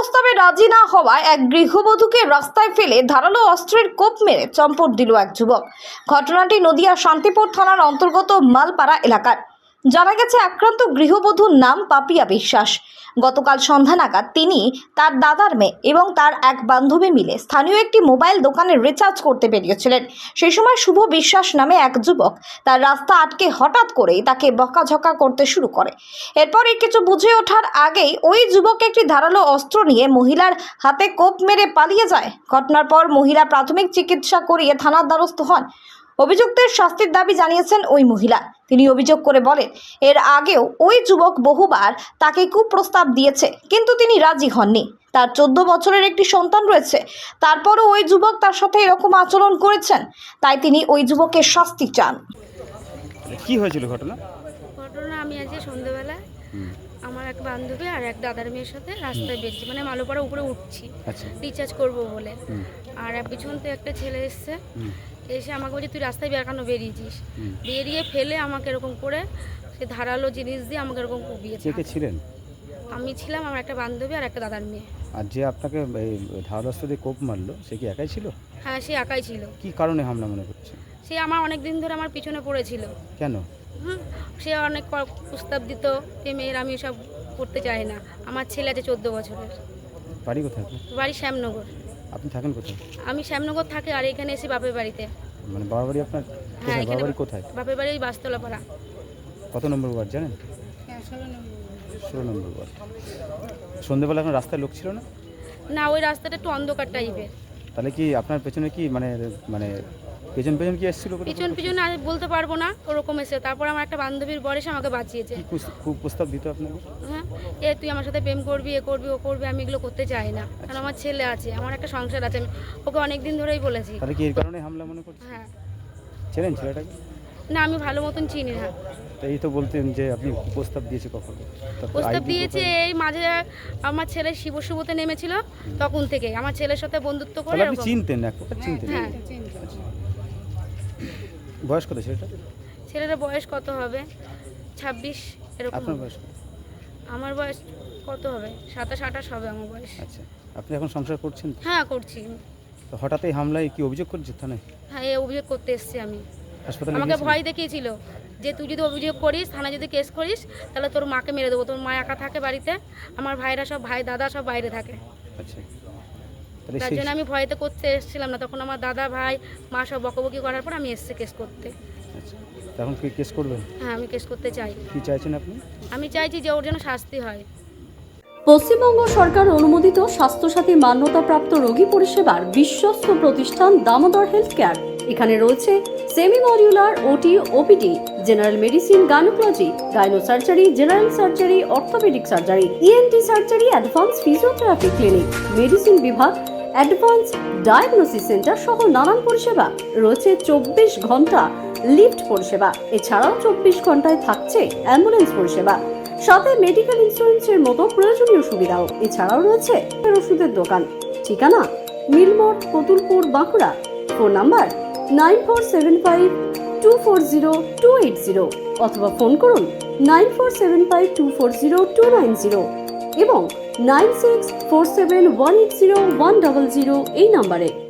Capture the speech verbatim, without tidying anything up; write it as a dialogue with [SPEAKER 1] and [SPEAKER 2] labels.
[SPEAKER 1] প্রস্তাবে রাজি না হওয়ায় এক গৃহবধূকে রাস্তায় ফেলে ধারালো অস্ত্রের কোপ মেরে চম্পট দিল এক যুবক। ঘটনাটি নদিয়া শান্তিপুর থানার অন্তর্গত মালপাড়া এলাকার। জানা গেছে আক্রান্ত গৃহবধূর নাম পাপিয়া বিশ্বাস। গতকাল সন্ধ্যা নাগাদ তিনি, তার দাদার মেয়ে এবং তার এক বান্ধবী মিলে স্থানীয় একটি মোবাইল দোকানে রিচার্জ করতে বেরিয়েছিলেন। সেই সময় শুভ বিশ্বাস নামে এক যুবক তার রাস্তা আটকে হঠাৎ করেই তাকে বকাঝকা করতে শুরু করে। এরপরই কিছু বুঝে ওঠার আগেই ওই যুবক একটি ধারালো অস্ত্র নিয়ে মহিলার হাতে কোপ মেরে পালিয়ে যায়। ঘটনার পর মহিলা প্রাথমিক চিকিৎসা করিয়ে থানার দ্বারস্থ হন। অভিযুক্তের শাস্তির দাবি জানিয়েছেন ওই মহিলা। তিনি অভিযোগ করে বলেন, এর আগেও ওই যুবক বহুবার তাকে কুপ্রস্তাব দিয়েছে, কিন্তু তিনি রাজি হননি। তার চোদ্দ বছরের একটি সন্তান রয়েছে, তারপরও ওই যুবক তার সাথে এরকম আচরণ করেছেন। তাই তিনি ওই যুবকের শাস্তি চান।
[SPEAKER 2] কি হয়েছিল ঘটনা?
[SPEAKER 3] ঘটনা আমি আজকে সন্ধ্যেবেলা আমার এক বান্ধবী আর এক দাদার মেয়ের সাথে রাস্তায় বেরিয়েছি, মানে মালোপাড়া উপরে উঠছি রিচার্জ করব বলে। আর পিছন থেকে একটা ছেলে এসছে, এসে আমাকে বলছে তুই রাস্তায় বের কেন বেরিয়েছিস। বেরিয়ে ফেলে আমাকে এরকম করে সে ধারালো জিনিস দিয়ে আমাকে এরকম কুপিয়েছে।
[SPEAKER 2] কে কে ছিলেন?
[SPEAKER 3] আমি ছিলাম, আমার একটা বান্ধবী আর একটা দাদার মেয়ে।
[SPEAKER 2] আর যে আপনাকে এই ধারালো অস্ত্র দিয়ে কোপ মারলো সে কি একাই ছিল?
[SPEAKER 3] হ্যাঁ, সে একাই ছিল।
[SPEAKER 2] কি কারণে হামলা মনে করছে?
[SPEAKER 3] সে আমার অনেক দিন ধরে আমার পিছনে পড়েছিল।
[SPEAKER 2] কেন?
[SPEAKER 3] হুম, সে অনেক প্রস্তাব দিত যে মেয়ের আমি সব করতে চাই না। আমার ছেলে আছে চোদ্দ বছরের।
[SPEAKER 2] বাড়ি কোথায়?
[SPEAKER 3] বাড়ি শ্যামনগর।
[SPEAKER 2] আপনি থাকেন কোথায়?
[SPEAKER 3] আমি শ্যামনগর থাকি আর এখানে এসে বাপের বাড়িতে।
[SPEAKER 2] মানে বাবার বাড়ি আপনার?
[SPEAKER 3] হ্যাঁ,
[SPEAKER 2] বাবার বাড়ি কোথায়?
[SPEAKER 3] বাপের বাড়ি বাসতলা পাড়া।
[SPEAKER 2] কত নম্বর ওয়ার্ড জানেন?
[SPEAKER 3] ষোলো নম্বর।
[SPEAKER 2] ষোলো নম্বর ওয়ার্ড। সন্ধ্যেবেলা আপনার রাস্তায় লোক ছিল না?
[SPEAKER 3] না, ওই রাস্তাটা একটু অন্ধকার টাইপের।
[SPEAKER 2] তাহলে কি আপনার পেছনে কি মানে মানে পেছন পেছন কি এসেছিল?
[SPEAKER 3] পিছন পিছন আর বলতে পারবো না, ওরকম এসে তারপর আমার একটা বান্ধবীর বর এসে আমাকে বাঁচিয়েছে।
[SPEAKER 2] কি খুব প্রস্তাব দিত আপনাকে?
[SPEAKER 3] হ্যাঁ, এ তুই আমার সাথে প্রেম করবি, এ করবি, ও করবি। আমি এগুলো করতে চাই না, কারণ আমার ছেলে আছে, আমার একটা সংসার আছে। আমি ওকে অনেক দিন ধরেই বলেছি।
[SPEAKER 2] তাহলে কি এর কারণে হামলা মনে করছেন?
[SPEAKER 3] হ্যাঁ।
[SPEAKER 2] ছিলেন ছেলেটাকে?
[SPEAKER 3] না, আমি ভালো মতন চিনি না।
[SPEAKER 2] তো এই তো বলতেন যে আপনি প্রস্তাব দিয়েছে কখন?
[SPEAKER 3] প্রস্তাব দিয়েছে এই মাঝে আমার ছেলে শিব শুভতে নেমেছিল, তখন থেকে আমার ছেলের সাথে বন্ধুত্ব করে।
[SPEAKER 2] আপনি চিনতেন? এক প্রকার চিনতেন?
[SPEAKER 3] হ্যাঁ।
[SPEAKER 2] বয়স কত ছেলেটা?
[SPEAKER 3] ছেলেটার বয়স কত হবে? ছাব্বিশ এরকম।
[SPEAKER 2] আপনার বয়স?
[SPEAKER 3] আমার বয়স কত হবে? সাতাশ আঠাশ হবে আমার বয়স।
[SPEAKER 2] আচ্ছা, আপনি এখন সংসার করছেন?
[SPEAKER 3] হ্যাঁ, করছি।
[SPEAKER 2] তো হঠাৎ এই হামলায় কি অভিযোগ করছে থানায়?
[SPEAKER 3] হ্যাঁ, এই অভিযোগ করতে এসেছি আমি।
[SPEAKER 2] হাসপাতালে
[SPEAKER 3] আমাকে ভয় দেখিয়েছিল যে তুই যদি অভিযোগ করিস, থানায় যদি কেস করিস, তাহলে তোর মাকে মেরে দেবো। তোর মা একা থাকে বাড়িতে, আমার ভাইরা সব, ভাই দাদা সব বাইরে থাকে।
[SPEAKER 2] আচ্ছা,
[SPEAKER 3] তার জন্য আমি ভয়তে করতে এসেছিলাম না। তখন আমার দাদা ভাই মা সব বকবকি করার পর আমি এসেছি কেস করতে।
[SPEAKER 2] আচ্ছা, এখন কি কেস করবেন?
[SPEAKER 3] হ্যাঁ, আমি কেস করতে চাই।
[SPEAKER 2] কি চাইছেন আপনি?
[SPEAKER 3] আমি চাইছি যে ওর জন্য শাস্তি হয়।
[SPEAKER 4] পশ্চিমবঙ্গ সরকার অনুমোদিত স্বাস্থ্যসাথী মান্যতাপ্রাপ্ত রোগী পরিষেবার বিশ্বস্ত প্রতিষ্ঠান দামোদর হেলথ কেয়ার। এখানে রয়েছে semi modular OT, OPD, general medicine, gynaecology, gyno surgery, general surgery, orthopaedic surgery, ENT surgery, advance physiotherapy clinic, medicine বিভাগ, অ্যাডভান্স ডায়াগনোসিস সেন্টার সহ নানান পরিষেবা রয়েছে। চব্বিশ ঘন্টা লিফট পরিষেবা, এছাড়াও চব্বিশ ঘন্টায় থাকছে অ্যাম্বুলেন্স পরিষেবা, সাথে মেডিকেল ইন্স্যুরেন্সের মতো প্রয়োজনীয় সুবিধাও। এছাড়াও রয়েছে ওষুধের দোকান। ঠিকানা Milmor, Kotulpur, Bankura. Phone number nine four seven five two four zero two eight zero অথবা ফোন করুন nine four seven five two four zero two nine zero এবং nine six four seven one eight zero one double zero এই নাম্বারে।